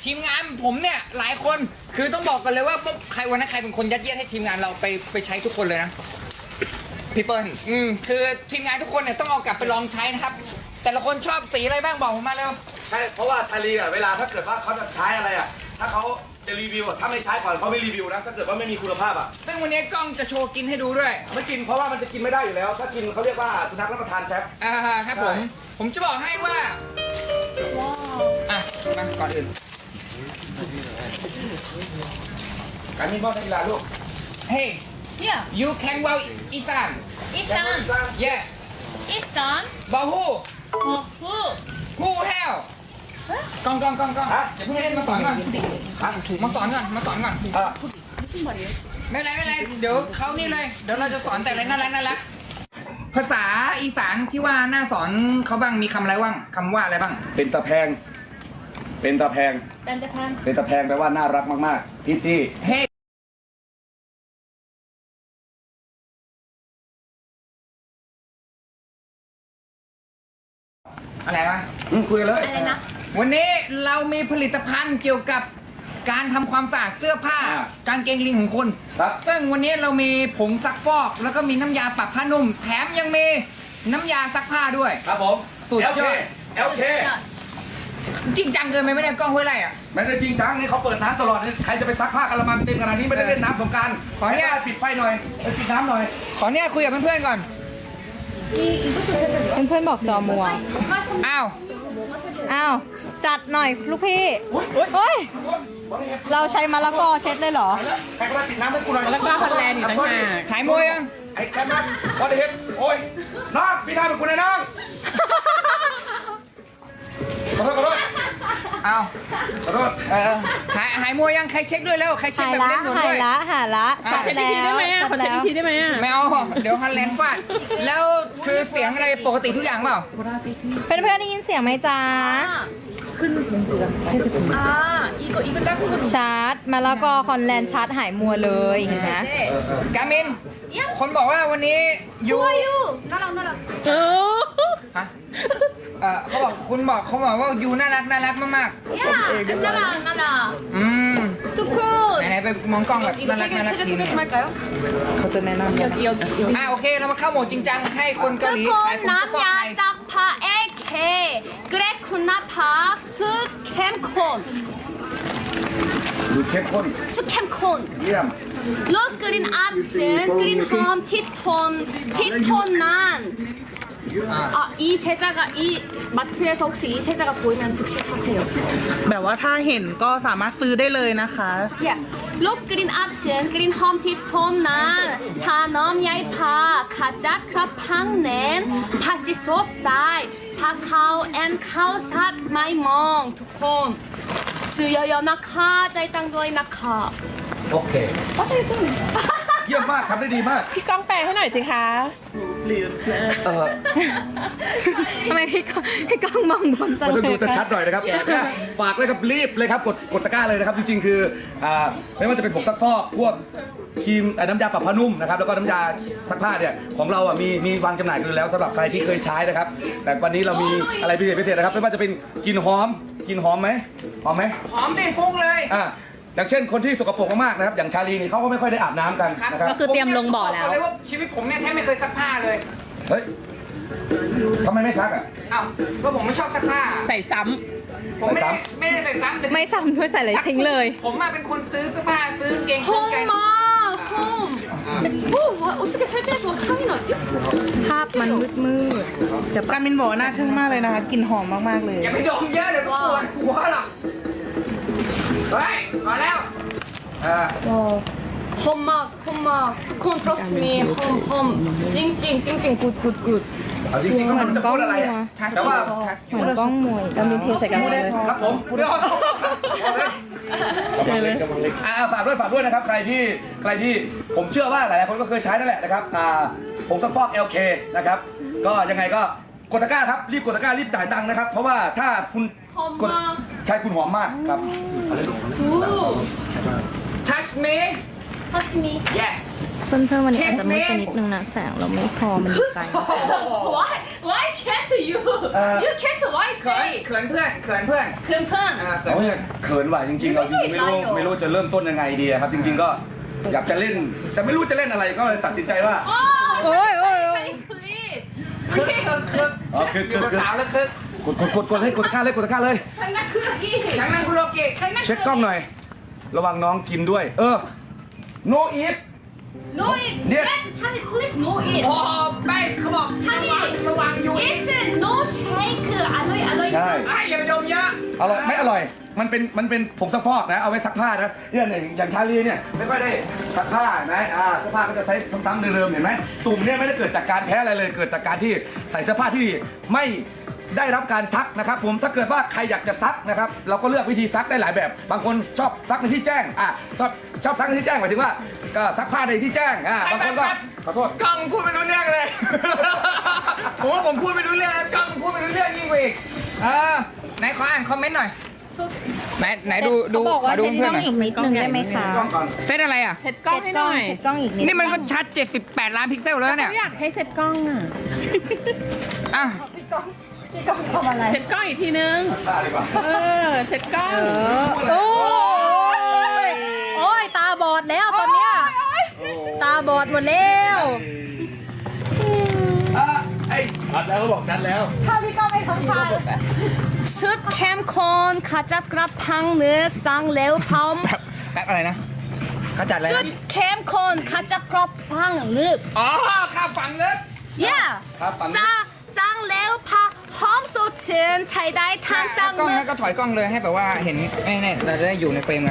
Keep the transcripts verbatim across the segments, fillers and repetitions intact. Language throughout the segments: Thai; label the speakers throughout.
Speaker 1: ทีมงานผมเนี่ยหลายคนคือต้องบอกกันเลยว่าใครวันนั้นใครเป็นคนยัดเยียดให้ทีมงานเราไปไปใช้ทุกคนเลยนะพี่เปิ้ลอืมคือทีมงานทุกคนเนี่ยต้องเอากลับไปลองใช้นะครับแต่ละคนชอบสีอะไรบ้างบอกผมมาเร็ว
Speaker 2: ใช่เพราะว่าชาลีอ่ะเวลาถ้าเกิดว่าเขาจะใช้อะไรอ่ะถ้าเขาจะรีวิวอ่ะถ้าไม่ใช้ก่อนเขาไม่รีวิวนะถ้าเกิดว่าไม่มีคุณภาพอ่ะ
Speaker 1: ซึ่งวันนี้กล้องจะโชว์กินให้ดูด้วย
Speaker 2: ไม่กินเพราะว่ามันจะกินไม่ได้อยู่แล้ว ถ้ากินเขาเรียกว่าสุนัขรับประทานแชฟ
Speaker 1: อ่าครับผมผมจะบอกให้ว่าอ่ะมาก่อนอื่น
Speaker 2: การมีบ้านนักกีฬาลูก
Speaker 1: Hey
Speaker 3: Yeah.
Speaker 1: you can well อีสาน
Speaker 3: Isan.
Speaker 1: yeah
Speaker 3: Isan.
Speaker 1: บอฮู
Speaker 3: Oh, who?
Speaker 1: ฮูเฮลกล้องกล้องกล้องกล้องอย่าเพิ่งเล่นมาสอนก่อนมาสอนก่อนมาสอนก่อน
Speaker 2: เออ
Speaker 1: ไม่เป็นไรไม่เป็นไรเดี๋ยวเขานี่เลยเดี๋ยวเราจะสอนแต่อะไรน่ารักน่ารักภาษาอีสานที่ว่าน่าสอนเขาบ้างมีคำอะไรบ้างคำว่าอะไรบ้าง
Speaker 2: เป็นตะแพง เป็นตะแพง
Speaker 3: Bandapan.
Speaker 2: เป็นตะแพงแปลว่าน่ารักมากๆพิตตี้
Speaker 1: เฮ้อะไรวะ
Speaker 2: อืมคุยกันเลย
Speaker 3: อะไรนะ
Speaker 1: วันนี้เรามีผลิตภัณฑ์เกี่ยวกับการทำความสะอาดเสื้อผ้า
Speaker 2: อ่า
Speaker 1: กางเกงลิงของคน
Speaker 2: ครับ
Speaker 1: ซึ่งวันนี้เรามีผงซักฟอก แล้วก็มีน้ำยาปรับผ้านุ่ม แถมยังมีน้ำยาซักผ้าด้วย
Speaker 2: ครับผม
Speaker 1: สุดยอด
Speaker 2: เอลเค เอลเค
Speaker 1: จริงจังเกินไปไม่ได้กล้องห้วยไร่อ่ะ
Speaker 2: ไม่ได้จริงจังนี่เขาเปิดน้ำตลอดนี่ใครจะไปซักผ้ากระมังเต็มขนาดนี้ไม่ได้เล่นน้ำสงกราร
Speaker 1: ขออนุญาต
Speaker 2: ปิดไฟหน่อยไปปิดน้ำหน่อย
Speaker 1: ขอเนี่ยคุยกับเพื่อนๆก่อน
Speaker 4: เพื่อนๆบอกจอมัว
Speaker 1: อ้าว
Speaker 4: อ้าว จัดหน่อยลูกพี่เฮ้ย เราใช้มะละกอเช็ดเลยเหรอ
Speaker 2: ใครก็ได้ปิดน้ำให้กูหน่อย
Speaker 4: แล้วก็ฮอลแลนด์อีกต่างหาก
Speaker 1: หายมวยยัง
Speaker 2: ไอ้แคมป์วอเดเฮดโอ้ยน้องปิดน้ำให้กูหน่อยน้องขอโทษขอโทษ
Speaker 1: อ้าว
Speaker 2: ขอโทษ
Speaker 1: เออหายหายมวยยังใครเช็คด้วยแล้วใครเช็ค
Speaker 4: หาย
Speaker 1: แบบ
Speaker 4: ละ
Speaker 1: เล่นหนุน
Speaker 4: หา
Speaker 1: ด้วย ย
Speaker 4: ละหายละชัด
Speaker 1: เช็ด
Speaker 4: แล้วชัดแล้ว
Speaker 1: ไม่เอาเดี๋ยวฮันแลนด์ฟาดแล้วคือเสียงอะไรปกติทุกอย่างเปล่า
Speaker 4: เพื่อนๆได้ยินเสียงไหมจ๊ะ
Speaker 3: 아, 이거, 이거 짧은 거.
Speaker 4: ชาร์จมะละกอฮอลแลนด์ชาร์จหายมัวเลยเห็นไหม
Speaker 3: 네.
Speaker 1: กามิน คนบอกว่าวันนี้ยู
Speaker 3: 좋아요. 나랑, 나랑.
Speaker 1: ฮะเออเขาบอกคุณบอกเขาบอกว่ายูน่ารักน่ารักมาก
Speaker 3: 야, 나랑, 나랑.
Speaker 1: ๆอืม
Speaker 3: 투콘.
Speaker 1: ไหนๆไปมองกล้องแบบ
Speaker 3: 이거
Speaker 1: น่ารัก
Speaker 3: 세개,
Speaker 1: น่ารัก
Speaker 3: 세개
Speaker 1: ที
Speaker 3: 소개
Speaker 1: นึง
Speaker 3: 좀 할까요?
Speaker 4: เขาจะแนะนำ
Speaker 3: 여기, 여기, 여기.
Speaker 1: อ่าโอเคเรามาเข้าโหมดจริงจังให้คนเกาหลีขายผ
Speaker 3: 투콘
Speaker 1: งซักฟอกไทย
Speaker 3: 남야 싹파 에케. 그레쿠나파 수캠콘.
Speaker 2: ดูเข้มข้น
Speaker 3: 수캠콘.
Speaker 2: เยี่ยม
Speaker 3: 룩 그린 앞층 그린 홈 티톤 티톤난 아 이 세자가 이 마트에서 혹시 이 세자가 보이면 즉시 사세요.
Speaker 5: แบบว่าถ้าเห็นก็สามารถซื้อได้เลยนะคะ
Speaker 3: 야, 룩 그린 앞층 그린 홈 티톤난 다넘 야이파 가자 크라팡넨 파시 소사이 파카오 앤 카오삿 마이멍 두콘 수여여 나카 짜이땅도이 나카
Speaker 2: โอเคเยี่ยมมากทำได้ดีมาก
Speaker 5: พี่ก้องแปลให้หน่อยสิคะ
Speaker 2: เออ
Speaker 4: ทำไมพี่ก้องพี่ก้องมองบนจัง
Speaker 2: มันต้อง
Speaker 4: เล
Speaker 2: ดู
Speaker 4: ยคะ
Speaker 2: ชัดๆหน่อยนะครับเนี่ยฝากเลยครับรีบเลยครับกดกดตะกร้าเลยนะครับจริงๆคืออ่าไม่ว่าจะเป็นผงซักฟอกพวกครีมเอ่อน้ำยาปรับผ้านุ่มนะครับแล้วก็น้ำยาซักผ้าเนี่ยของเราอ่ะมีมีวางจำหน่ายกันอยู่แล้วสำหรับใครที่เคยใช้นะครับ แต่วันนี้เรามีอะไรพิเศษพิเศษนะครับไม่ว่าจะเป็นกลิ่นหอมกลิ่นหอมไหมหอมไหม
Speaker 1: หอมดิฟุ้งเลย
Speaker 2: อ่าอย่างเช่นคนที่สกปรกมากๆนะครับอย่างชาลีนี่เขาก็ไม่ค่อยได้อาบน้ำกันนะครับ
Speaker 4: ก็คือเตรียมลงบ่อแล้ว
Speaker 1: ผมเนี่ยบอกเลยว่าชีวิตผมเนี่ยแทบไม่เคยซักผ้าเลย
Speaker 2: เฮ้ยทำไมไม่ซักอ่ะ
Speaker 1: อ้าวก็ผมไม่ชอบซักผ้า
Speaker 5: ใส่ซ้
Speaker 1: ผมไม่ได้
Speaker 2: ใส่ซ้
Speaker 1: ไม่ได้ใส่ซ้ำแต่
Speaker 4: ไม่ซ้ำด้วยใส่เลยทิ้งเลย
Speaker 1: ผมมาเป็นคนซื้อเสื้อผ้าซื้อเกงซื้อแกง
Speaker 3: 홈마 홈. 오, 와, 어떻게 세제에서 향이 나지?
Speaker 4: ภาพมันมืดมืดๆเดี๋ยว
Speaker 5: ำกามินบอกว่าน่าทึ่งมากเลยนะคะกลิ่นหอมมากๆเลย
Speaker 1: อย่าไปดมเยอะเดี๋ยวก็ปวดหัวหรอกเฮ้ยมาแล้วเออ
Speaker 3: 홈마 홈마 투콘 트러스트 미 홈홈 찡찡 찡찡 굿굿굿.
Speaker 2: ำเอาจริงๆก็ไมันจะพูดอะไรอ่ะแต่ว่า
Speaker 4: เหมือนกล้องมวยเรามีเพลงใส่กันหมดเลย
Speaker 2: ครับผม
Speaker 1: เดี๋ยว
Speaker 2: อ่าฝากด้วยฝากด้วยนะครับใครที่ใครที่ผมเชื่อว่าหลายๆคนก็เคยใช้นั่นแหละนะครับอ่าผงซักฟอก แอล เค นะครับก็ยังไงก็กดตะกร้าครับรีบกดตะกร้ารีบจ่ายตังค์นะครับ เพราะว่าถ้าคุณกด
Speaker 3: 홈마
Speaker 2: ใช้คุณหอมมากครับ
Speaker 3: 굿.
Speaker 1: touch me
Speaker 3: 터치 미.
Speaker 1: yes
Speaker 4: เพื่อนๆวันนี้อาจจะมืดไปนิดนึงนะแสงเราไม่พอมันอยู่ไกล
Speaker 3: Why why can't you you can't why
Speaker 1: เขิน
Speaker 3: say
Speaker 1: เขินเพื่อนเขินเพื่อน
Speaker 3: เพื่อนเพื่อน
Speaker 1: อ่าเขิน
Speaker 2: โอ้ย
Speaker 1: เพื่อน
Speaker 2: เขินว่ะจริงๆเราจริงๆไม่รู้
Speaker 3: ไม่ได้
Speaker 2: ไม่รู้จะเริ่มต้นยังไงดีอะครับ จริง ๆก็อยากจะเล่น แต่ไม่รู้จะเล่นอะไรก็เลยตัดสินใจว่า
Speaker 3: โอ้
Speaker 4: โอ้ยโอ้ยโอ้ย
Speaker 3: ใช่คลิป
Speaker 1: คึกคึกคึก
Speaker 2: อ๋อคือ
Speaker 1: อ
Speaker 2: คื
Speaker 1: ยู่
Speaker 2: อ
Speaker 1: กับ
Speaker 2: คือ
Speaker 1: สาวแล้วคึก
Speaker 2: กดกดกดกดให้กดตะกร้าเลยกดตะกร้าเลย
Speaker 3: ใช่นักคือกี้
Speaker 1: ทั้งนั้นคุณโลกิ
Speaker 3: ใช่นัก
Speaker 2: เช็คกล้องหน่อย ระวังน้องกินด้วย เออ no eat
Speaker 3: No it
Speaker 2: เนี่ย
Speaker 3: yes Charlie please no it
Speaker 1: โอ้ไม่เขาบอกระวังระวังอยู่
Speaker 3: It's no shake อร่อยอร่อย
Speaker 2: ใช่
Speaker 1: ไอ้อย่าไปดมเยอะ
Speaker 2: อร่อยไม่อร่อย มันเป็นมันเป็นผงซักฟอกนะ เอาไว้ซักผ้านะเนี่ยอย่างอย่างชาลีเนี่ยไม่ค่อยได้ซักผ้านะอ่าเสื้อผ้าก็จะใช้ซ้ำๆเดิมๆเห็นไหมตุ่มเนี่ยไม่ได้เกิดจากการแพ้อะไรเลย เกิดจากการที่ใส่เสื้อผ้าที่ไม่ได้รับการทักนะครับผมถ้าเกิดว่าใครอยากจะซักนะครับเราก็เลือกวิธีซักได้หลายแบบ บางคนชอบซักในที่แจ้งอ่ะชอบชอบซักในที่แจ้งหมายถึงว่าก็ซักผ้าในที่แจ้งอ่ะบางคนก็ขอโทษ
Speaker 1: กล้องพูดไม่รู้เรื่องเลย ผมว่าผมพูดไม่รู้เรื่องแล้วกล้องพูดไม่รู้เรื่องยิ่งกว่าอีกเออไหนขออ่านคอมเมนต์หน่อยไหนไหนดูดู
Speaker 4: เขาบอก
Speaker 1: ขอ
Speaker 4: ว่า
Speaker 1: ดู
Speaker 4: เซ็ตก
Speaker 1: เพื่
Speaker 4: ล้
Speaker 1: อ
Speaker 4: อน ง
Speaker 1: หน่อย
Speaker 4: อีกนิดนึงได้ไหมคะ
Speaker 2: กล้องก่อน
Speaker 1: เซตอะไรอ่ะ
Speaker 5: เซ็ตกล้องให้หน่อย
Speaker 4: เซ็ตกล้องอีกนิด
Speaker 1: นี่มันก็ชัดเจ็ดสิบแปดล้านพิกเซลแล้วเนี่ย
Speaker 5: เขาอยากให้เซ็ตกล้องอ่ะ
Speaker 1: อ่ะ
Speaker 4: ทำอะไร
Speaker 5: เซ็ตกล้องอีกทีนึง
Speaker 2: ตาดีกว่า
Speaker 5: เออ เซ็ตกล้อง
Speaker 4: โอ้ยโอ้ยตาบอดแล้วตอนเนี้ยตาบอดหมดแล้ว
Speaker 2: อ่ะไอ้
Speaker 3: ชุดเข้มข้นขจัดกระพังเนื้อสั่งเร็วพร้อม
Speaker 1: แบบแป๊บอะไรนะเขาจัดอะไร
Speaker 3: ชุ
Speaker 1: นะ
Speaker 3: ดเข้มข้นขจัดกระพังเนื้อ
Speaker 1: อ๋อข้าวฝังลึก
Speaker 3: yeah
Speaker 2: ครับฝั่งนี้
Speaker 3: สั่งสั่งเร็วพาหอมสดชื่นใช้ได้ทั้งสั่ง
Speaker 1: กล้อง
Speaker 3: เนื้อ
Speaker 1: แล้วก็ถอยกล้องเลยให้แบบว่าเห็นแน่ๆเราจะได้อยู่ในเฟรมกัน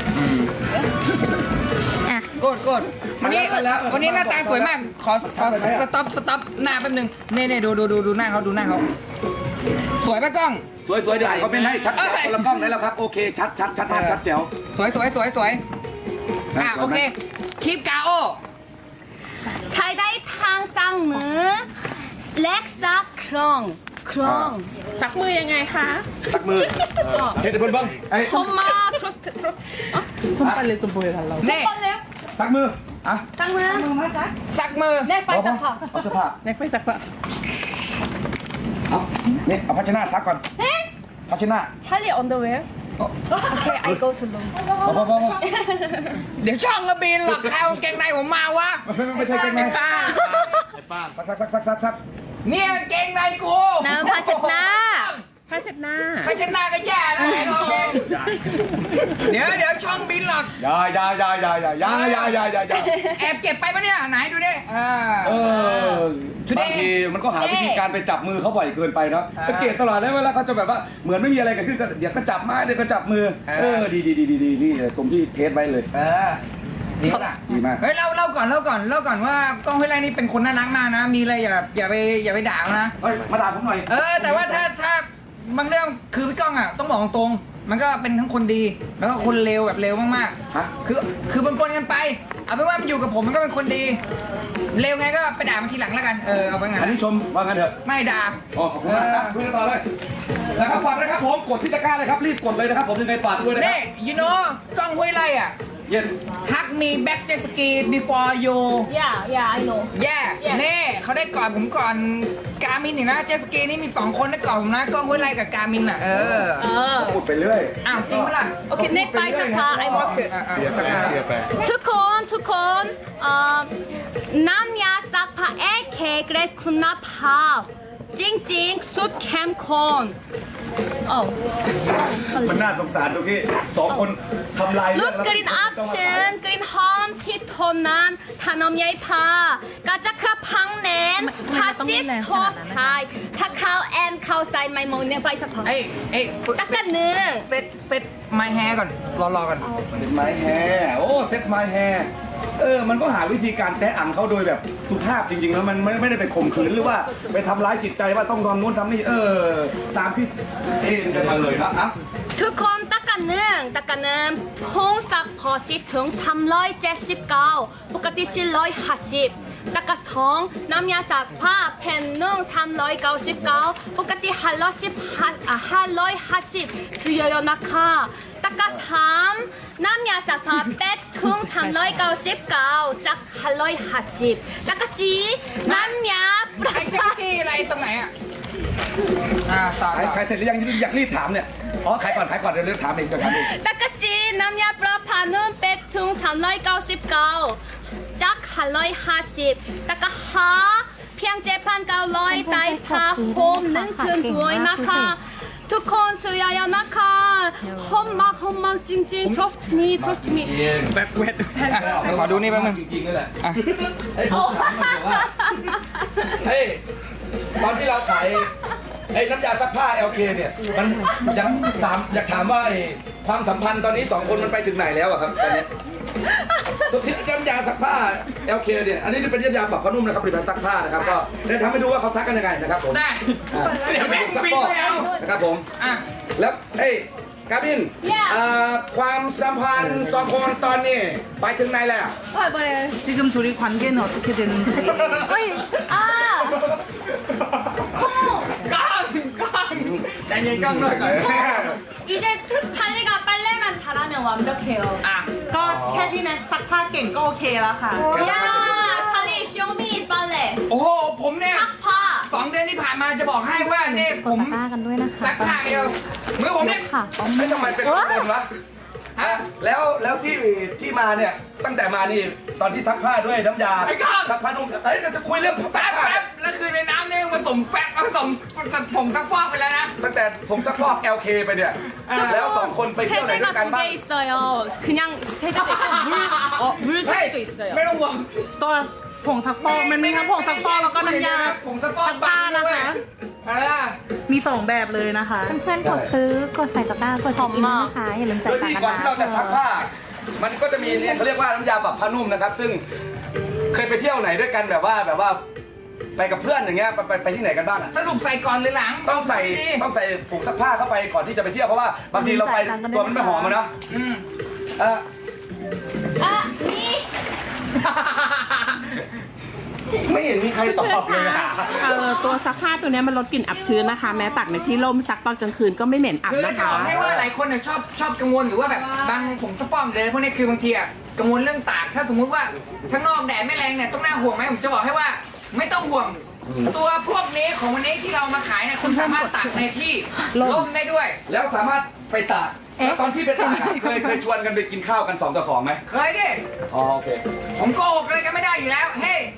Speaker 4: อ่ะ
Speaker 1: โกดโกดวันนี้วันนี้หน้าตาสวยมาก ขอขอสต็อปสต็อปหน้าแป๊บนึงเน่เน่ดูดูดูดูหน้าเขาดูหน้าเขาสวยปะกล้อง
Speaker 2: สวยสวยเดี๋ยวอ่านคอมเมนต์ให้ชัด
Speaker 1: เอ้ย
Speaker 2: คนละกล้องได้แล้วครับโอเคชัดชัดชัดชัดชัดแจ๋ว
Speaker 1: สวยสวยสวยสวยอ่ะ
Speaker 2: สวยไหม
Speaker 1: โอเคคลิปกาโอ
Speaker 3: ใช้ได้ทั้งสั่งเนื้อเล็กซักครองครอง
Speaker 5: ซักมือยังไงคะ
Speaker 2: สักมือเฮ็ดให้เพิ่นเบิ่งไอ้
Speaker 3: ผมมา trust trust
Speaker 5: ส้มไปเลยจมปุยกันเรา
Speaker 1: เน่
Speaker 3: คนเร็ว
Speaker 2: สักมืออ่ะ
Speaker 3: สั่งเนื้อ
Speaker 1: สักมือ
Speaker 3: เน่ไปสักผ้า
Speaker 2: เอาเสื้อผ้า
Speaker 5: เน็กไปซักปะ
Speaker 2: เอาเนี่ยเอาภาชนะซักก่อน
Speaker 3: เอ๊ะ
Speaker 2: ภาชนะ
Speaker 3: Charlie underwear okay I go to room
Speaker 2: พอพอพอพอ
Speaker 1: เดี๋ยวช่องกระบินหรอกใครเอากางเกงในผมมาวะ
Speaker 2: ไม่ไม่ไม่ใช่เป็นไงป้าซักซักซักซักซัก
Speaker 1: เนี่ยกางเกงในกู
Speaker 4: น้ำผ้าเช็ดหน้า
Speaker 5: ผ้าเช็ดหน้า
Speaker 1: ไปชนะก็แย่แล้วไอ้เราเองเดี๋ยวเดี๋ยวช่องบินหรอก
Speaker 2: อย่าอย่าอย่าอย่าอย่าอย่าอย่าอย่าอย่าอย่า
Speaker 1: แอบเก็บไปปะเนี่ยไหนดูดิอ่า
Speaker 2: เออบางทีมันก็หาวิธีการไปจับมือเขาบ่อยเกินไปเนาะสังเกตตลอดเลยเวลาเขาจะแบบว่าเหมือนไม่มีอะไรเกิดขึ้นก็เดี๋ยวก็จับไม้เดี๋ยวก็จับมือเออดีดีดีดีดีนี่ตรงที่เทสไว้เลย
Speaker 1: เออดีน่ะ
Speaker 2: ดีมาก
Speaker 1: เฮ้ยเล่าเล่าก่อนเล่าก่อนเล่าก่อนว่ากล้องห้วยไร่นี่เป็นคนน่ารักมากนะ มีอะไรอย่าอย่าไปอย่าไปด่าเขานะ
Speaker 2: เฮ้ยมาด่าผมหน่อย
Speaker 1: เออ แต่ว่าถ้าถ้าบางเรื่องคือพี่ก้องอ่ะต้องบอกตรงๆมันก็เป็นทั้งคนดี แล้วก็คนเลวแบบเลวมาก
Speaker 2: ฮะ
Speaker 1: ๆคือคือมันปนกันไปเอาเป็นว่ามันอยู่กับผมมันก็เป็นคนดีเลวไงก็ไปด่ามันทีหลังแล้วกันเออเอาไปงั้น
Speaker 2: อันนี้ชมว่างั้นเถอะ
Speaker 1: ไม่ด่า
Speaker 2: อ๋อขอบคุณมากครับคุยกันต่อเลยแล้วก็ฝากนะครับผมกดที่ตะกร้าเลยครับรีบกดเลยนะครับผมยังไงฝากด้วยนะครั
Speaker 1: เน่ you know กล้องห้วยไร่อ่ะ
Speaker 2: เย็น
Speaker 1: ฮักมีแบ็กเจสกี before you
Speaker 3: yeah yeah I know
Speaker 1: แย่เน่เขาได้ก่อนผมก่อนกามินอีกนะเจสกีนี่มีสองคนได้ก่อนผมนะกล้องห้วยไร่กับกามินอ่ะเออ
Speaker 3: เออ
Speaker 2: พูดไปเรื่อย
Speaker 1: อ้าวจริงปะล่ะ
Speaker 3: โอเคเน็กไปสักผ้า I work it
Speaker 1: อ่ะอ่ะ
Speaker 2: เดี๋ยวสักการเดี๋ยวไป
Speaker 3: ทุกคนทุกคนเอ่อน้ำยาซักผ้าเอเคเกรดคุณภาพจริงๆสุดเข้มข้นโอ้
Speaker 2: มันน่าสงสารตรงที่สองคนทำลาย
Speaker 3: ลู
Speaker 2: เรื่อก ง
Speaker 3: กลิ่นอับชื้นกลิ่นหอมที่ทนนานทานมใยผ้ากระจักกระพังแน่นพาซิสโทสไทยถ้าเขาแอนเขาใส่ไมโมเนี่ยไปสักพัก
Speaker 1: เอ้ยเอ้ย
Speaker 3: ตักกันเนื้อ
Speaker 1: เซตเซตไมแฮร์ก่อนรอรอกัน
Speaker 2: เซ็ตไม้แฮร์โอ้เซ็ตไม้แฮร์เออมันก็หาวิธีการแตะอังเขาโดยแบบสุภาพจริงๆแล้วมันไม่ไม่ได้ไปข่มขืนหรือว่าไปทำร้ายจิตใจว่าต้องทำนู้นทำนี่เออตามที่เอ็นกันมาเลยนะครับ
Speaker 3: ทุกคนตักกันหนึ่งตักกันหนึ่งพงซักพอชิถึงสามร้อยเจ็ดสิบเก้าปกติสี่ร้อยห้าสิบตักกันสองน้ำยาซักผ้าแผ่นหนึ่งสามร้อยเก้าสิบเก้าปกติห้าร้อยสิบห้าอ่ะห้าร้อยห้าสิบซื้อเยอะๆนะคะตตะกะสามน้ำยาซักผ้าเป็ดถุงสามร้อยเก้าสิบเก้าจากห้าร้อยห้าสิบตะกะสี่น้ำยาปลา
Speaker 1: ไอ้เจ๊จี้อะไรตรงไหนอ่ะอ่าต่อ
Speaker 2: ขาย
Speaker 1: ต่อ
Speaker 2: ขายเสร็จหรือยังอยากรีบถามเนี่ยอ๋อขายก่อนขายก่อนเดี๋ยวเรื่องถามเองเดี๋ยวถามเอง
Speaker 3: ตะกะสี่น้ำยาปลาพานุ่มเป็ดถุงสามร้อยเก้าสิบเก้าจากห้าร้อยห้าสิบตะกะห้าเพียงเจ็ดพันเก้าร้อยได้ผ้าห่มหนึ่งคืนด้วยนะคะทุกคนซื้อยาๆนะคะหอมมากหอมมากจริงๆ trust me trust me
Speaker 1: แบบเวทขอดูนี่แป๊บนึง
Speaker 2: จริงๆนั่นแหละ
Speaker 1: อ่ะ
Speaker 2: เฮ้ยผมถามหน่อยว่าเฮ้ยตอนที่เราขายไอ้น้ำยาซักผ้า แอล เค เนี่ยมันอยากถามอยากถามว่าไอ้ความสัมพันธ์ตอนนี้สองคนมันไปถึงไหนแล้วอะครับตอนเนี้ยตัวที่น้ำยาซักผ้า แอล เค เนี่ยอันนี้เป็นน้ำยาปรับผ้านุ่มนะครับผลิตภัณฑ์ซักผ้านะครับก็ได้ทำให้ดูว่าเขาซักกันยังไงนะครับผม
Speaker 1: ได้
Speaker 2: อ่า
Speaker 1: เดี๋ยวแม่ง
Speaker 2: ซัก
Speaker 1: ปิด
Speaker 2: ฟอก
Speaker 1: ไม่เอา
Speaker 2: นะครับผม
Speaker 1: อ่ะ
Speaker 2: แล้วเอ้ยกาบิน
Speaker 3: Yeah
Speaker 2: เอ่อความสัมพันธ์สองคนตอนนี้ไปถึงไหนแล้ว
Speaker 5: 지금 둘이 관계는 어떻게 되는지.
Speaker 3: เฮ้ยอ่า
Speaker 1: ก้างก้างใจเย็นก้างหน่อยก่อน
Speaker 3: 이제 찰리가 빨래만 잘하면 완벽해요
Speaker 1: อ่ะ
Speaker 5: ก็แค่พี่แน็กซักผ้าเก่งก็โอเคแล้วค่ะ
Speaker 3: 야 찰리 쇼미 빨래
Speaker 1: โอ้โหผมเนี่ย
Speaker 3: 삭파
Speaker 1: สองเดือนที่ผ่านมาจะบอกให้ว่าเนี่ยผม
Speaker 4: ตะกร้ากันด้วยนะคะ
Speaker 1: ซักผ้าเดียวมือผมเนี่ย
Speaker 4: ค่ะ
Speaker 2: ไม่ทำไมเป็นคนวะ
Speaker 1: ฮะ
Speaker 2: แล้วแล้วที่ที่มาเนี่ยตั้งแต่มานี่ตอนที่ซักผ้าด้วยน้ำยา
Speaker 1: ไอ้ก้าง
Speaker 2: ซักผ้านุ่มเอ้ยเราจะคุยเรื่อง
Speaker 1: แป๊บ
Speaker 2: ผ้า
Speaker 1: แป๊บแล้วคือในน้ำเนี่ยผสมแฟบผสมผมซักฟอกไปแล้วนะ
Speaker 2: ตั้งแต่ผมซักฟอก แอล เค ไปเนี่ยแล้วสองคนไปเที่ยวไหนด้วย
Speaker 3: 세제가
Speaker 2: กัน
Speaker 3: 두
Speaker 2: บ้าง
Speaker 3: 개 있어요 그냥 세제도 있고 물, 어, 물
Speaker 1: เฮ้ย
Speaker 3: 세제도 있어요
Speaker 1: ไม่ต้องห่วง
Speaker 5: ตัวผงซักฟอกมันมีทั้งผงซักฟอกแล้วก็น้ำยา
Speaker 1: ผมซักฟอก
Speaker 5: ซักผ้านะคะ
Speaker 1: เออ
Speaker 5: มีสองแบบเลยนะคะ
Speaker 4: เพื่อนๆกดซื้อกดใส่ตะกร้ากดเช็คอินด้วยนะคะอย่าลืม
Speaker 2: โด
Speaker 4: ใส่
Speaker 2: ย
Speaker 4: ตะ
Speaker 2: ที่
Speaker 4: ก
Speaker 2: ก่อน
Speaker 4: ร้า
Speaker 2: ที่เราจะซักผ้า มันก็จะมีเนี่ยเขาเรียกว่าน้ำยาปรับผ้านุ่มนะครับ ซึ่งเคยไปเที่ยวไหนด้วยกันแบบว่าแบบว่าไปกับเพื่อนอย่างเงี้ยไปไปไปที่ไหนกันบ้างอะ
Speaker 1: สรุปใส่ก่อนหรือหลัง
Speaker 2: ต้องใส่ต้องใส่ผงซักผ้าเข้าไปก่อนที่จะไปเที่ยวเพราะว่าบางทีเราไปตัวมันไม่หอมอะเนาะ
Speaker 1: อืม
Speaker 2: เออ
Speaker 3: 아, 미
Speaker 2: ไม่เห็นมีใครตอบเลยอะ
Speaker 6: เอ่อตัวซักผ้าตัวเนี้ยมันลดกลิ่นอับชื้นนะคะ แม้ตักในที่ร่มซักตอนกลางคืนก็ไม่เหม็นอับ
Speaker 1: คือ
Speaker 6: นะ
Speaker 1: จะ
Speaker 6: คะ
Speaker 1: บอกให้ว่าหลายคนเนี่ยชอบชอบกังวลหรือว่าแบบบางผงซักฟอกเลยพวกนี้คือบางทีอะกังวลเรื่องตากถ้าสมมุติว่าข้างนอกแดดไม่แรงเนี่ยต้องน่าห่วงไหมผมจะบอกให้ว่าไม่ต้องห่วง ตัวพวกนี้ของวันนี้ที่เรามาขายเนี่ยคุณสามารถตากในที่ร่มได้ด้วย
Speaker 2: แล้วสามารถไปตากแล้วตอนที่ไปตากอะเคยเคยชวนกันไปกินข้าวกันสองต่อสองไหม
Speaker 1: เคยดิ
Speaker 2: อ๋อโอเค
Speaker 1: ผมโกหกอะไรกันไม่ได้อยู่แล้วเฮ้ย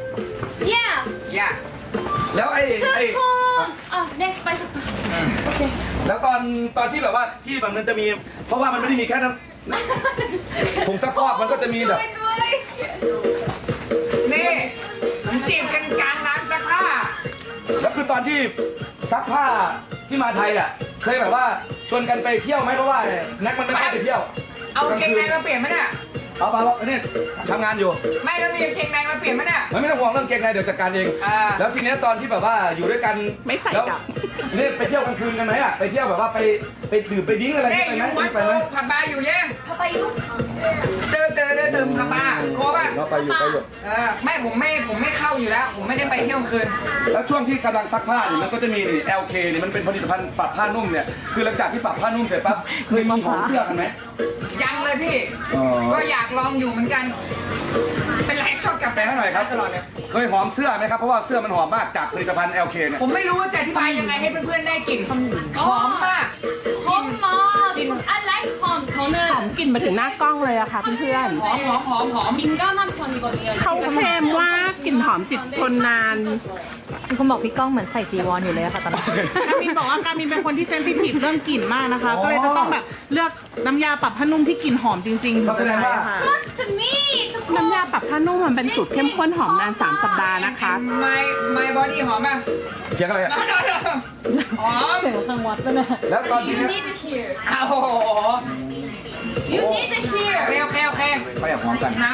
Speaker 3: 야
Speaker 1: อย่า
Speaker 2: แล้วไอ้ไอ้
Speaker 3: 투콘 아네 빨리 삭파
Speaker 2: แล้วตอนตอนที่แบบว่าที่แบบมันจะมี เพราะว่ามันไม่ได้มีแค่นั้นผงซักฟอกมันก็จะมีแบบ
Speaker 3: ด้วย
Speaker 1: นี่ผมจีบกันกลางร้านซักผ้า
Speaker 2: แล้วคือตอนที่ซักผ้าที่มาไทยอ่ะเคยแบบว่าชวนกันไปเที่ยวไหมเพราะว่าแน็กมันไม่ค่อยไปเที่ยว
Speaker 1: เอากางเกงในมาเปลี่ยนไหมเนี่ย
Speaker 2: เอาไปแล้วเนี่ยทำงานอยู่
Speaker 1: ไม่แล้วมีกางเกงในมาเปลี่ยนไหมเนี่ย
Speaker 2: มันไม่ต้องห่วงเรื่องเกงในเดี๋ยวจัดการเอง
Speaker 1: อ่า
Speaker 2: แล้วทีเนี้ยตอนที่แบบว่าอยู่ด้วยกัน
Speaker 6: ไม่ใส่
Speaker 2: แล้ว
Speaker 6: กลับ
Speaker 2: นี่ไปเที่ยวกลางคืนกันไหมอ่ะไปเที่ยวแบบว่าไปไปดื่มไปดิ้งอะไร
Speaker 1: เฮ้ย
Speaker 2: ไป
Speaker 1: อ
Speaker 2: ไหม
Speaker 1: ยู่วัด
Speaker 2: ไป
Speaker 1: โต
Speaker 2: ไหม
Speaker 1: ผับบาร์อยู่เนี่ย
Speaker 3: 봐봐 이거
Speaker 1: เจอเจอเจอเจอผับบาร์โคป่ะ
Speaker 2: เราไปอยู่ไปอยู่
Speaker 1: เออไม่ผมไม่ผมไม่เข้าอยู่แล้ว ผมไม่ได้ไปเที่ยวกลางคืน
Speaker 2: แล้วช่วงที่กำลังซักผ้าเนี่ยมันก็จะมีนี่ แอล เค เนี่ยมันเป็นผลิตภัณฑ์ปรับผ้านุ่มเนี่ยคือหลังจากที่ปรับผ้านุ่มเสร็จปั๊บเคยมีหอมเสื้อกันไหม
Speaker 1: ยังเลยพี่
Speaker 2: อ๋อ
Speaker 1: ก็อยากลองอยู่เหมือนกัน เป็นไรชอบกลับไปให้หน่อยครับตลอดเลย
Speaker 2: เคยหอมเสื้อไหมครับเพราะว่าเสื้อมันหอมมากจากผลิตภัณฑ์ แอล เค เนี่ย
Speaker 1: ผมไม่รู้ว่าจะอธิบายยังไงให้เพื่อนๆได้กลิ่นหอมมาก
Speaker 3: 엄마 I like 홈
Speaker 6: หอม
Speaker 3: 저는
Speaker 6: กลิ่นมาถึงหน้ากล้องเลยอะค่ะเพื่อน
Speaker 1: หอมหอมหอมหอม
Speaker 3: 민감한 편이거든요
Speaker 6: ๆเขาเคลมว่ากลิ่นหอมติดทนนาน
Speaker 4: มีคนบอกพี่ก้องเหมือนใส่จีวรอยู่เลยอะค่ะตอนนี้
Speaker 5: การมินบอกว่าการมินเป็นคนที่เซนซิทีฟเรื่องกลิ่นมากนะคะ ก็เลยจะต้องแบบเลือกน้ำยาปรับผ้านุ่มที่กลิ่นหอมจริงๆถึงจะใช้ค่ะ
Speaker 3: Trust me
Speaker 6: น้ำยาปรับผ้านุ่มมันเป็นสูตรเข้มข้นหอมนานสามสัปดาห์นะคะ
Speaker 1: My My Body หอมป่ะ
Speaker 2: เสียงอะไรอะ
Speaker 1: หอม
Speaker 4: ทางวัดไปเลย
Speaker 2: แล้วตอนนี้
Speaker 3: You need here
Speaker 1: อ้าวโอ้โห
Speaker 3: You need
Speaker 1: โอ
Speaker 3: here
Speaker 1: เคโอเคโอเค
Speaker 2: ไปอยากหอมกัน
Speaker 1: น้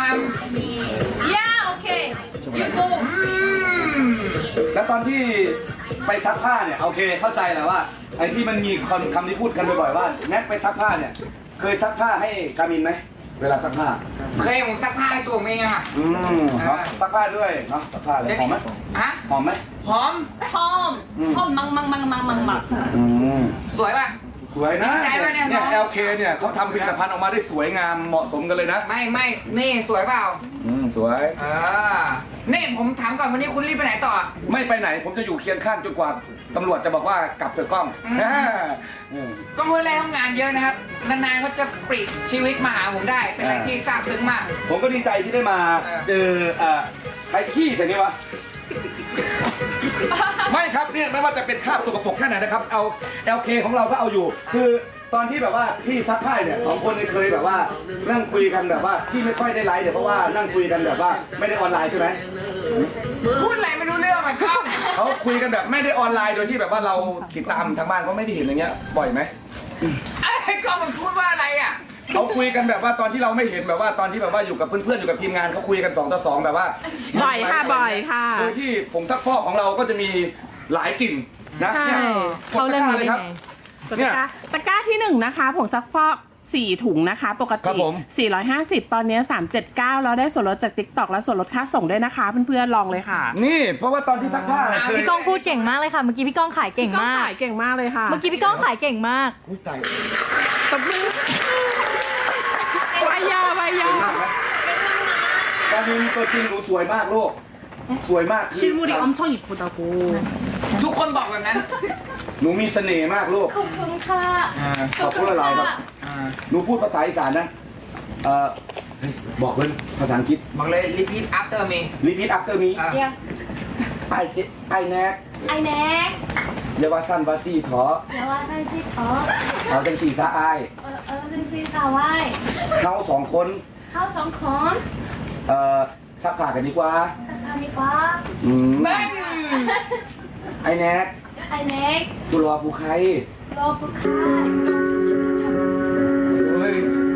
Speaker 3: Yeah okay You go
Speaker 2: แล้วตอนที่ไปซักผ้าเนี่ยโอเคเข้าใจแหละว่าไอ้ที่มันมีคำคำที่พูดกันบ่อยๆว่าแน็กไปซักผ้าเนี่ยเคยซักผ้าให้กามินไหมเวลาซักผ้า
Speaker 1: ำเคยผมซักผ้าให้ตัวเมียอ่ะ
Speaker 2: อืมเนาะซักผ้าด้วยเนาะซักผ้าเลยหอมไหม
Speaker 1: ฮะ
Speaker 2: หอมไหม
Speaker 1: หอม
Speaker 3: 홈 홈 망망망망망망
Speaker 2: อืม
Speaker 1: สวยป่ะ
Speaker 2: สสวยนะ
Speaker 1: ดีใจด้วยเนี่ย
Speaker 2: เนี่ย
Speaker 1: น้อง
Speaker 2: แอลเคเนี่ยเขาทำผลิตภัณฑ์ออกมาได้สวยงามเหมาะสมกันเลยนะ
Speaker 1: ไม่ไม่นี่สวยเปล่า
Speaker 2: อืมสวย
Speaker 1: เออนี่ผมถามก่อนวันนี้คุณรีบไปไหนต่อ
Speaker 2: ไม่ไปไหนผมจะอยู่เคียงข้างจนกว่าตำรวจจะบอกว่ากลับเถอะกล้อง
Speaker 1: อืม
Speaker 2: อ่าอืม
Speaker 1: ก็เมื่อไรทำงานเยอะนะครับนานๆเขาจะปลีกชีวิตมาหาผมได้ เป็นอะไรที่ซาบซึ้งมาก
Speaker 2: ผมก็ดีใจที่ได้มา
Speaker 1: เออ
Speaker 2: เจอเอ่อใครขี้ใส่นี่วะ ไม่ครับเนี่ยไม่ว่าจะเป็นคราบสกปรกแค่ไหนนะครับเอา แอล เค ของเราก็เอาอยู่ คือตอนที่แบบว่าพี่ซักผ้าเนี่ยสองคนเนี่ยเคยแบบว่านั่งคุยกันแบบว่าที่ไม่ค่อยได้ไลฟ์เนี่ยเพราะว่านั่งคุยกันแบบว่าไม่ได้ออนไลน์ใช่ไหม
Speaker 1: พูดอะไรไม่รู้เรื่องมันก้อง
Speaker 2: เขาคุยกันแบบไม่ได้ออนไลน์โดยที่แบบว่าเราติดตามทางบ้านเขาไม่ได้เห็นอย่างเงี้ยบ่อยไหม
Speaker 1: ไอ้ก้องมันพูดว่าอะไรอ่ะ
Speaker 2: เขาคุยกันแบบว่าตอนที่เราไม่เห็นแบบว่าตอนที่แบบว่าอยู่กับเพื่อนๆอยู่กับทีมงานเขาคุยกันสองต่อสองแบบว่า
Speaker 6: บ่อยค่ะบ่อยค่ะ
Speaker 2: โดยที่ผงซักฟอกของเราก็จะมีหลายกลิ่นนะ
Speaker 6: ใช่
Speaker 2: เนี่ย
Speaker 4: เขาเรื่องนี้
Speaker 2: กดตะกร้าเลยครับ
Speaker 6: ตะกร้าตะกร้าที่หนึ่งนะคะผงซักฟอกสี่ถุงนะคะ ปก
Speaker 2: ครั
Speaker 6: ติ
Speaker 2: บผม
Speaker 6: สี่ร้อยห้าสิบตอนนี้สามร้อยเจ็ดสิบเก้าแล้วได้ส่วนลดจาก TikTok และส่วนลดค่าส่งด้วยนะคะเพื่อนๆลองเลยค่ะ
Speaker 2: นี่เพราะว่าตอนที่ซักผ้าเนี่ยเคย
Speaker 4: พี่ก้องพูดเก่งมากเลยค่ะ เมื่อกี้พี่ก้องขายเก่ง
Speaker 6: ก็
Speaker 4: มาก
Speaker 6: ขายเก่งมากเลยค่ะ
Speaker 4: เมื่อกี้พี่ก้องขายเก่งมาก
Speaker 2: อุ้ยตาย
Speaker 6: ตบมือวายาวายา
Speaker 2: เห็นมากไหมตอนนี้ตัวจริงหนูสวยมากลูกสวยมากคือ
Speaker 6: 실물이 엄청 이쁘다고
Speaker 1: ทุกคนบอกแบบนั้น
Speaker 2: หนูมีเสน่ห์มากลูก
Speaker 3: ขอบคุณค่ะ
Speaker 2: ขอบคุณอะไรครับ หนูพูดภาษาอีสานนะเอ่อเฮ้ยบอกเลยภาษาอังกฤษ
Speaker 1: บอกเลย repeat after me
Speaker 2: repeat after me
Speaker 1: อ่ะ
Speaker 3: เดี๋ยว
Speaker 2: ไอเจไอแนก
Speaker 3: ไอแน็ก
Speaker 2: เยาวาสันบาซี่ถอ
Speaker 3: เดี๋ยวว่าฉันชื่ออ๋อ
Speaker 2: เอาจังสีซาอาย
Speaker 3: เออเออซึ่งซีสาวไว้
Speaker 2: เขาสองคน
Speaker 3: เข้าสองคน
Speaker 2: เอ่อซักผ้ากันดีกว่า
Speaker 3: สักพักดีกว่า
Speaker 2: อืม
Speaker 1: เบิ้ล
Speaker 2: ไอแนก
Speaker 3: ไอแน็ก
Speaker 2: กุลวาภูไค
Speaker 3: รอผู้ค้า
Speaker 2: เฮ้ย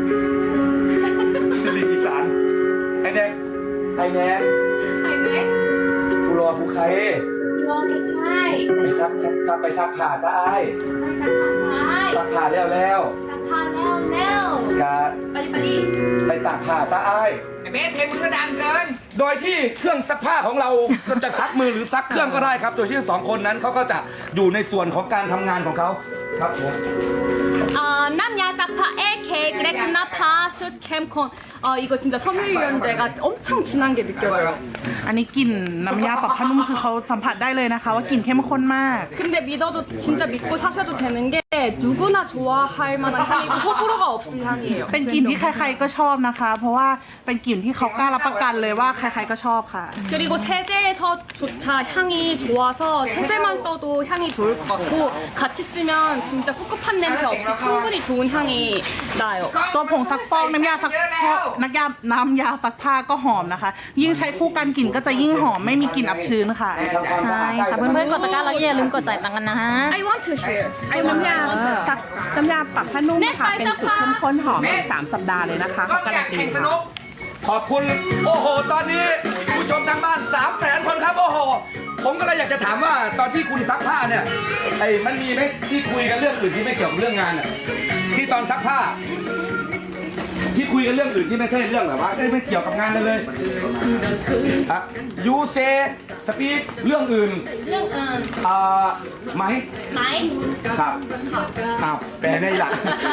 Speaker 2: สิริอีสานไอแนกไอแนก
Speaker 3: ไอแน็ก
Speaker 2: กุลวาภูไค
Speaker 3: รอผู้ค้า
Speaker 2: ไปซักซักซักไปซักผ้าซะอาย
Speaker 3: ไปสักผ้าซ้าย
Speaker 2: ซักผ้าแล้วแล้ว
Speaker 3: สักผ้าแล้วแล้ว
Speaker 2: กะ
Speaker 3: ไปดิไปดิ
Speaker 2: ไปตากผ้าซะอาย
Speaker 1: ไอ้เบสเพลงมึงก็ดังเกิน
Speaker 2: โดยที่เครื่องซักผ้าของเรา ก็จะซักมือหรือซักเครื่องก็ได้ครับ โดยที่สองคนนั้นเขาก็จะอยู่ในส่วนของการทำงานของเขาครับผม
Speaker 3: 아 남야 싹파 에케 그레크나파 숯캠콘 아 이거 진짜 섬유유연제가 엄청 진한 게 느껴져요
Speaker 5: อันนี้กลิ่นน้ำยาปรับผ้านุ่มคือเขาสัมผัสได้เลยนะคะว่ากลิ่นเข้มข้นมาก
Speaker 3: 근데 믿어도 진짜 믿고 사셔도 되는 게 누구나 좋아할 만한 향이고 호불호가 없을 향이에요
Speaker 5: เป็นกลิ่นที่ใครๆก็ชอบนะคะ เพราะว่าเป็นกลิ่นที่เขากล้ารับประกันเลยว่าใครๆก็ชอบค่ะ
Speaker 3: 그리고 세제에서조차 향이 좋아서 세제만 써도 향이 좋을 것 같고 같이 쓰면 진짜 꿉꿉한 냄새 없이 충분히 좋은 향이 나요
Speaker 5: ตัวผงซักฟอกน้ำยาซักฟอกน้ำยาน้ำยาซักผ้าก็หอมนะคะ ยิ่งใช้คู่กันกลิ่นก็จะยิ่งหอมไม่มีกลิ่นอับชื้นค่ะ
Speaker 2: ทำความสะ
Speaker 4: ใช่
Speaker 2: อาดได้
Speaker 4: ค่ะเพื่อนๆกดตะกร้าแล้วอย่าลืมกดจ่ายตังค์กันนะฮะ
Speaker 3: I want to hear I
Speaker 5: น้ำ
Speaker 3: want
Speaker 5: ยา
Speaker 3: to
Speaker 5: ซักน้ำยาปรับผ้านุ่มค่ะ เป็นสูตรเข้มข้นหอมในสามสัปดาห์เลยนะคะ
Speaker 1: ก็
Speaker 5: เขาการั
Speaker 1: อยาน ก
Speaker 5: ตี
Speaker 1: แข่งส
Speaker 5: ค่ะ
Speaker 1: นุก
Speaker 2: ขอบคุณ โอ้โห ตอนนี้ผู้ชมทางบ้าน3 0 0แสนคนครับ โอ้โห ผมก็เลยอยากจะถามว่าตอนที่คุณซักผ้าเนี่ยไอ้มันมีไหมที่คุยกันเรื่องอื่นที่ไม่เกี่ยวกับเรื่องงานอ่ะที่ตอนซักผ้า ที่คุยกันเรื่องอื่นที่ไม่ใช่เรื่องแบบว่าไม่ไม่เกี่ยวกับงานเลยเลยอะยูเซสปีกเรื่องอื่น
Speaker 3: 응, 응.
Speaker 2: อ่าไหม
Speaker 3: 마이
Speaker 2: ครับอ้าวแปลได้หลัก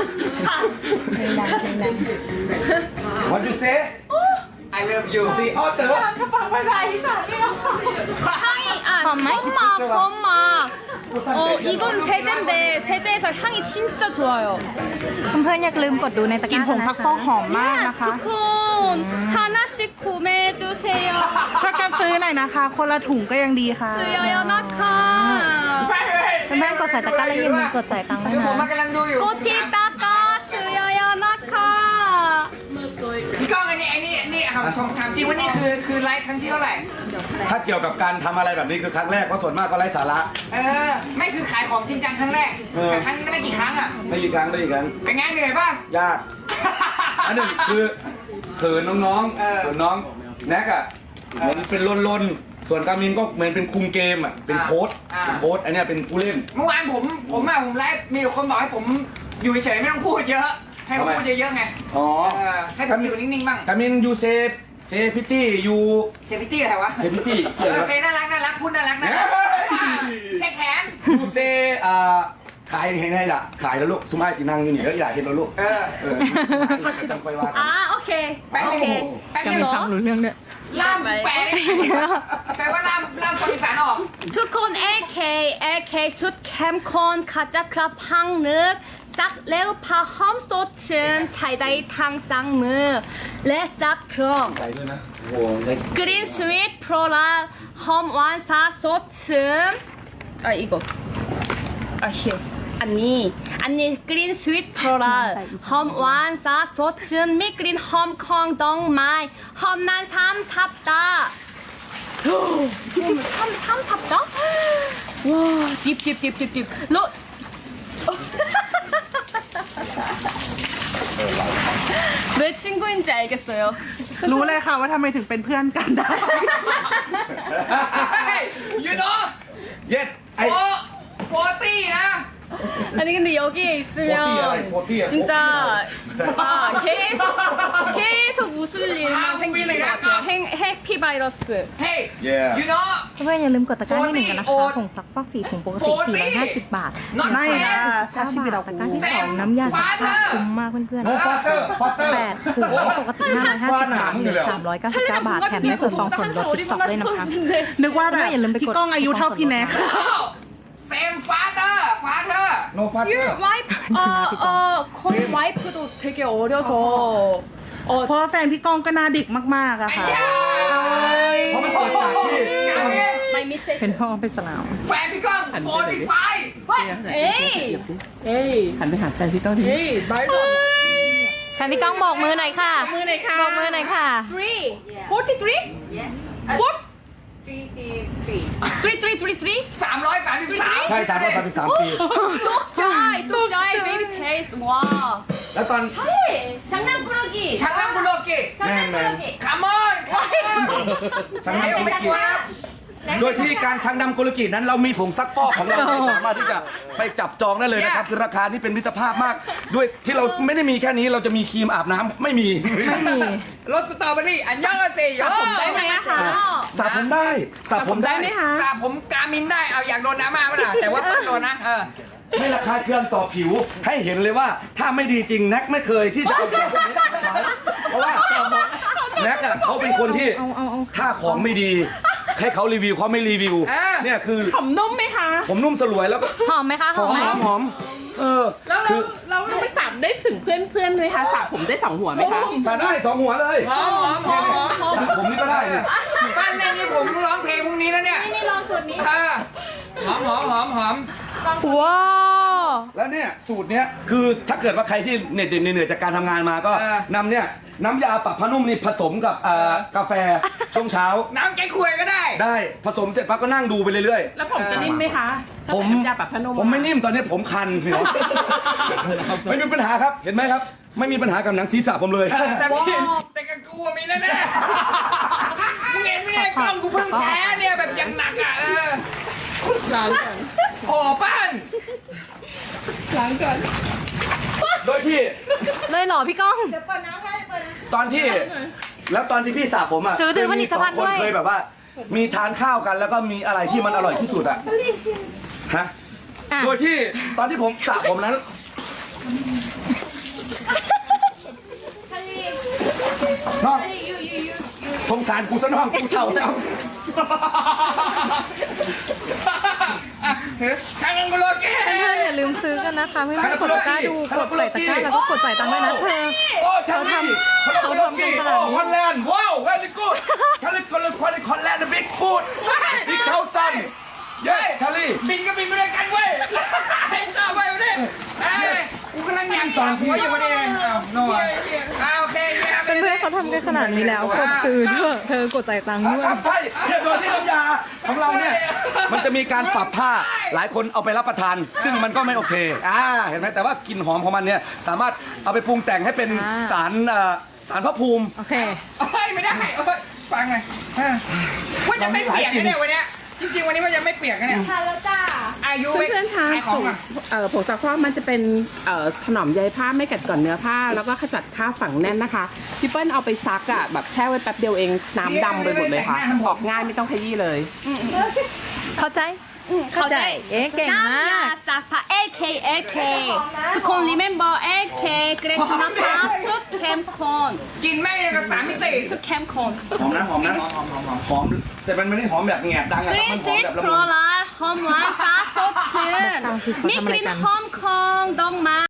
Speaker 2: What you say
Speaker 1: I love you
Speaker 2: สีออเตอร์
Speaker 3: 향이 아
Speaker 4: 펌마?
Speaker 3: 펌마 펌마 어 이건 세제인데 세제에서 향이 진짜 좋아요
Speaker 4: เพื่อนๆอย่าลืมกดดูในตะก
Speaker 5: กลิ่น
Speaker 4: ร้า
Speaker 5: ผ
Speaker 4: กัน
Speaker 5: ง
Speaker 4: นะ
Speaker 5: ซักฟอก
Speaker 4: คะ
Speaker 5: หอมมาก
Speaker 3: Yes
Speaker 5: นะคะ
Speaker 3: ทุกคน 하나씩 구매해주세요
Speaker 5: ช่วยกันซื้อหน่อยนะคะ คนละถุงก็ยังดีค่ะ
Speaker 3: 쓰여요 나카
Speaker 4: เพื่อนๆกดใส่ตะกร้าแล้วอย่าลืมกดจ่ายตังค์ด้ว
Speaker 1: คื
Speaker 4: ย
Speaker 1: อผม
Speaker 4: นะ
Speaker 1: มากำลังดูอยู่
Speaker 3: 꼬티 따까 쓰여요 나카
Speaker 1: พี่ก้องอันนี้ไอ้นี่นี่ถามถามจริงว่านี่คือคือไลฟ์ครั้งที่เท่าไหร่
Speaker 2: ถ้าเกี่ยวกับการทำอะไรแบบนี้คือครั้งแรกเพราะส่วนมากก็ไร้สาระ
Speaker 1: เออ ไม่คือขายของจริงจังครั้งแรก
Speaker 2: เออ
Speaker 1: แต่ครั้งนี้ไม่กี่ครั้งอ่ะ
Speaker 2: ไม่กี่ครั้งไม่กี่ครั้ง
Speaker 1: เป็นไงเหนื่อยป่ะ
Speaker 2: ยาก อันหนึ่งคือเขินน้อง
Speaker 1: เออ
Speaker 2: ๆเขินน้องแน็กอ่ะเหมือนเป็นลนๆส่วนกามินก็เหมือนเป็นคุมเกมอ่ะเป็นโค้ดเป็นโค้ดอันเนี้ยเป็นผู้เล่น
Speaker 1: เมื่อวานผมผมอะผมไลฟ์มีคนบอกให้ผมอยู่เฉยๆไม่ต้องพูดเยอะ ให้ผมพูดเยอะๆไง
Speaker 2: อ๋อ
Speaker 1: เออให้ผมอยู่นิ่งๆบ้าง
Speaker 2: กามินยูเซฟเซพิตี้ยู
Speaker 1: เซฟิตี้อะไรวะ
Speaker 2: เซพิตี้
Speaker 1: เออเซน่ารักน่ารักพูดน่ารักน่ารักเช็คแขน
Speaker 2: ยูเซอ่าขายให้ให้ละขายแล้วลูกสุมายสีนางอยู่นี่ก็อยากเห็นแล้วลูก
Speaker 1: เออ
Speaker 2: เออจังไปว่ากัน
Speaker 3: 아 오케이
Speaker 1: แป๊บนึง
Speaker 3: 오케이
Speaker 1: แป๊บ
Speaker 4: ยัง
Speaker 1: นึง
Speaker 4: ไม่ฟังรู้เรื่องด้วย
Speaker 1: ล่ามแปลได้ไหมแปลว่าล่ามล่ามคนอีสานออก
Speaker 3: ทุกคน เอ เค เอ เค สุดเข้มข้นขจัดคราบพังนึกซักเร็วผ้าหอมสดชื่นใช้ได้ทั้งสองมือ และซักเครื่อง
Speaker 2: ใจด้วยนะโอ้โห
Speaker 3: กรีนสวีทโปรลาหอมหวานสาสดชื่นอ่ะอีกอ่ะเฮียอันนี้อันนี้กรีนสวีทโปรลาหอมหวานสาสดชื่นมีกลิ่นหอมของดอกไม้หอมนานสามสัปดาห์삼, 삼 삽다? 와, 딥, 딥, 딥, 딥, 딥. 로. 왜 친구인지 알겠어요.
Speaker 5: รู้เลยค่ะว่าทำไมถึงเป็นเพื่อนกันได้
Speaker 1: เฮ้ยยูโน่
Speaker 2: เย็ดไอ
Speaker 1: โฟโฟตี้นะ
Speaker 3: 아니 근데 여기에 있으면
Speaker 2: 포티야,
Speaker 3: 진짜 아, 계속 계속 웃을 일만 생기는 것 같아요. 행, 해피 바이러스.
Speaker 1: เฮ้ย
Speaker 2: Yeah
Speaker 1: ยูโน่
Speaker 4: เพื่อนๆอย่าลืมกดตะกร้าที่หนึ่งกันนะคะ
Speaker 1: โอ๊ต
Speaker 4: ผงซักฟอกสีถุงปกติสี่ร้อยห้าสิบบาท
Speaker 1: not
Speaker 5: ไม่
Speaker 1: fair
Speaker 5: นะ
Speaker 4: เก้า
Speaker 5: ชาชีวิต
Speaker 4: บา
Speaker 5: เรา
Speaker 4: ทตะกร้าที่
Speaker 1: แซ
Speaker 4: สอ
Speaker 1: ม
Speaker 4: งน้ำยาซักผ้า
Speaker 1: ฟาเธอร์
Speaker 4: คุ้มมากเพื่อน
Speaker 2: โอ้ฟาเตอร์ฟาเตอร์
Speaker 4: ๆแปดถุงปกติห้าร้อยห้าสิบบาทเหลือสามร้อยเก้าสิบเก้าบาทแถมได้ส่วนต่อส่วนลดสิบสองด้วยนะคะ
Speaker 5: นึกว่าแบบ
Speaker 4: อย่าลืมไปกด
Speaker 5: พี่ก้องอายุเท่าพี่แน็ก
Speaker 1: เซมฟาเตอร์ฟาเธอร์
Speaker 2: โนฟาเตอ
Speaker 3: Your
Speaker 2: ร์
Speaker 3: wife, 어, 어, 콘 와이프도 되게 어려서 어,
Speaker 5: เพราะว่าแฟนพี่ก้องก็หน่าเด็กมากๆอะค่ะ
Speaker 2: เพราะมันเกิดจากที่
Speaker 1: การเรียน
Speaker 3: my mistake.
Speaker 4: เป็นพ่อเป็นสลาม
Speaker 1: แฟนพี่ก้องโฟตี้ไฟ
Speaker 3: What? 에이, 에이,
Speaker 6: หันไปหาแฟนพี่ก้องดิ
Speaker 3: 에이, 말도 안 돼.
Speaker 4: แฟนพี่ก้องบอกมือหน่อยค่ะบอกมือหน่อยค่ะบอกมือหน่อยค่ะ
Speaker 3: Three, forty-three? Four? Three, three, three, three, three.
Speaker 1: สามร้อยสามสิบสาม
Speaker 2: ใช่สามร้อยสามสิบสามปี
Speaker 3: 똑짜이, 똑짜이, 베이비 페이스. 와.
Speaker 2: แล้วตอน
Speaker 3: 네, 장난꾸러기.
Speaker 1: ชักน้ำกุโลกิ
Speaker 3: 장난꾸러기.
Speaker 1: คามอนคามอน
Speaker 2: ชักน้ำ
Speaker 1: ไม่
Speaker 2: กุล
Speaker 1: ไม่
Speaker 2: กิ
Speaker 1: กลัวครับ
Speaker 2: โดยที่การชักน้ำกุลกินั้นเรามีผงซักฟอกของเราที่สามารถที่จะไปจับจองได้เลยนะครับ คือราคานี่เป็นมิตรภาพมาก ด้วยที่เราไม่ได้มีแค่นี้เราจะมีครีมอาบน้ำไม่มี
Speaker 4: ไม่มี
Speaker 1: รสสตรอเบอรี่อันยองอาเซโย
Speaker 5: ได้ไหมอะคะ
Speaker 2: สระผมได้สระผมได้
Speaker 5: ไหมคะ
Speaker 1: สระผมกามินได้เอาอยากโดนน้ำมาป่ะล่ะแต่ว่าต้องโดนนะเออ
Speaker 2: ไม่ราคาเครื่องต่อผิวให้เห็นเลยว่าถ้าไม่ดีจริงแน็กไม่เคยที่จะเอาของพวกนี้มาใช้เพราะว่าแน็กอะเขาเป็นคนที่ถ้าของไม่ดีให้เขารีวิวเขาไม่รีวิว
Speaker 1: อ่า
Speaker 2: เนี่ยคือ
Speaker 5: หอมนุ่มไหมคะ
Speaker 2: ผมนุ่มสลวยแล้วก็
Speaker 4: หอมไหมคะห
Speaker 2: ห
Speaker 4: อ
Speaker 2: อ
Speaker 4: ม
Speaker 2: ม
Speaker 4: ไหม
Speaker 2: หอมหอมเออ
Speaker 6: แล้ว
Speaker 2: คื
Speaker 6: เรา
Speaker 2: อ
Speaker 6: เราไปสระได้ถึงเพื่อนเพื่อนๆไหมคะสระผมได้สองหัวไหมคะ
Speaker 2: สระได้สองหัวเลย
Speaker 1: หอมหอมหอมหอม
Speaker 2: สระผมนี่ก็ได้เนี่ย
Speaker 1: บ้านเล่นนี่ผมร้องเพลงพรุ่งนี้แล้วเนี่ยนี่ลองสูตรนี้เออหอมหอมหอมหอม
Speaker 4: ว้าว
Speaker 2: แล้วเนี่ยสูตรเนี้ยคือถ้าเกิดว่าใครที่เหน็ดเหนื่อยจากการทำงานมาก็
Speaker 1: เออ
Speaker 2: นำเนี่ยน้ำยาปรับผ้านุ่มนี่ผสมกับเอ่อกาแฟช่วงเช้า
Speaker 1: น้ำแก้ควยก็ได้
Speaker 2: ได้ผสมเสร็จปั๊บก็นั่งดูไปเรื่อย
Speaker 6: แล้วผมจะนิ่มไหมคะ
Speaker 2: ๆ ผม
Speaker 6: ถ้าใส่น้ำยาปรับผ้านุ่ม
Speaker 2: ผมไม่นิ่มตอนนี้ผมคันเหนียวไม่มีปัญหาครับเห็นไหมครับ ไม่มีปัญหากับหนังศีรษะผมเลย
Speaker 1: แต่พี่แต่กับกูอะมีแน่ๆมึงเห็นไหมเนี่ยกล้องกูเพิ่งแพ้เนี่ยแบบอย่างหนักอ่ะเออ
Speaker 6: ล้างก่อน
Speaker 1: โอ้ป้าน
Speaker 6: ล้างก่อน
Speaker 2: โดยที่
Speaker 4: เลยเหรอพี่ก้อง
Speaker 2: ตอนที่แล้วตอนที่พี่สระผมอ่ะ
Speaker 4: ถือถือ
Speaker 2: เคยมีสอง
Speaker 4: ผลิตภัณฑ์
Speaker 2: คน
Speaker 4: ด้วย
Speaker 2: เคยแบบว่า มีทานข้าวกันแล้วก็มีอะไรที่มันอร่อยที่สุดอ่ะฮะ
Speaker 4: อ่ะ
Speaker 2: โดยที่ตอนที่ผมสระผมนั้นน้องสงสารกูซะน้องกูเท่าแล้ว
Speaker 1: อ่ะถือช่างกุโลกิ
Speaker 4: เพื่อนๆอย่าลืมซื้อกันนะคะเพื่อนๆกดตะกร้าดูกดใส่ตะกร้าแล้วก็กดจ่ายตังค์ด้วยนะเธอ
Speaker 2: โอ้ชันลี่เขาทำกันขนาดนี้โอ้ฮอลแลนด์ว้าวเวลี่กูดชาลีคนละคนในฮอลแลนด์บิ๊กกูดบิ๊กเทาซันเย้ชาลี
Speaker 1: บินก็บินไปด้วยกันเว้ยให้ต่อไปวันนี้เอ้ยกูกำลังอยากต่อหัวอยู่วันนี้เลยอ้าวโน่อ้าวโอเคเยี่ยม
Speaker 4: เพื่อนๆเขาทำกันขนาดนี้แล้วกดซื้อเถอะเธอกดจ่ายตังค์ด้วย
Speaker 2: ครับใช่เนี่ยโดยที่น้ำยาของเราเนี่ยมันจะมีการปรับผ้าหลายคนเอาไปรับประทาน ซึ่งมันก็ไม่โอเคอ่าเห็นไหมแต่ว่ากลิ่นหอมของมันเนี่ยสามารถเอาไปปรุงแต่งให้เป็น
Speaker 4: อ่า
Speaker 2: สารเอ่อสารพระภูมิ
Speaker 4: โอเค
Speaker 1: เฮ้ยไม่ได้เอ้ยฟังเลยเออว่าจะไม่เปียกนะเนี่ยวันเนี้ยจริงๆวันนี้ว่าจะไม่เปียกนะเนี่ยทานแล้วจ้าอายุ
Speaker 6: เพื่อนๆคะ
Speaker 1: ขายของอ่ะ
Speaker 6: เอ่อผงซักฟอกมันจะเป็นเอ่อถนอมใยผ้าไม่กัดก่อนเนื้อผ้า แล้วก็ขจัดคราบฝังแน่นนะคะพี่เปิ้ลเอาไปซักอ่ะแบบแช่ไว้แป๊บเดียวเองน้ำดำไปหมดเลยค่ะออกง่ายไม่ต้องขยี้เลย
Speaker 4: เข้าใจ
Speaker 3: เข้าใจ
Speaker 4: เอ๊ะเก่งมาก
Speaker 3: น้ำยาซักผ้า เอ เค เอ เค ทุกคน remember เอ เค เกรดคุณภาพสุดเข้มข้น
Speaker 1: กินแม่งยังกับสามมิติ
Speaker 3: สุดเข้มข้น
Speaker 2: หอมนะหอมนะหอมแต่มันไม่ได้หอมแบบแงบดังอะ
Speaker 3: ก
Speaker 2: ครับ
Speaker 3: ลิ่น
Speaker 2: มันห
Speaker 3: ส
Speaker 2: อม
Speaker 3: วีท
Speaker 2: แบบละ
Speaker 3: โพ
Speaker 2: มุน
Speaker 3: ลาร์หอมหวานสาสดชื่นมีกลิ่นหอมของดอกไม้